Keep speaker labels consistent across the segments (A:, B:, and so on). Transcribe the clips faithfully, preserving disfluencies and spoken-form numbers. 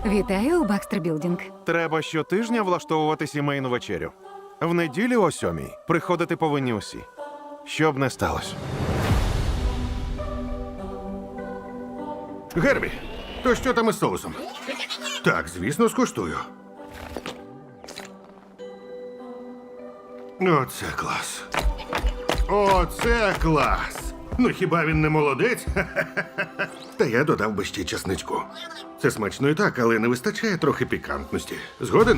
A: Вітаю у Бакстер Білдінг.
B: Треба щотижня влаштовувати сімейну вечерю. В неділю о сьомій приходити повинні усі. Що б не сталося.
C: Гербі, то що там із соусом? Так, звісно, скуштую. Оце клас. Оце клас. Ну хіба він не молодець? Та я додав би ще часничку. Це смачно і так, але не вистачає трохи пікантності. Згоден?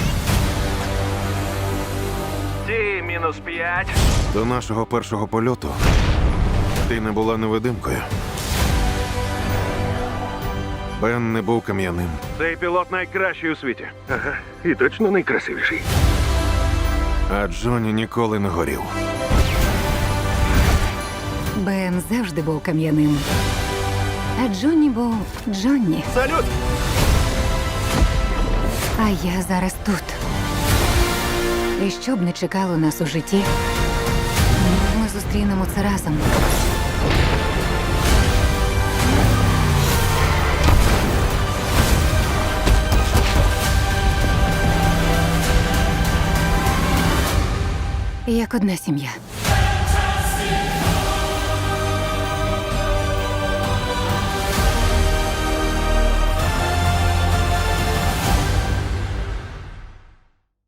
D: Ті, мінус п'ять.
B: До нашого першого польоту ти не була невидимкою. Бен не був кам'яним.
D: Цей пілот найкращий у світі.
C: Ага, і точно найкрасивіший.
B: А Джонні ніколи не горів.
A: Бен завжди був кам'яним. А Джонні був Джонні.
D: Салют!
A: А я зараз тут. І що б не чекало нас у житті, ми зустрінемо це разом. Як одна сім'я.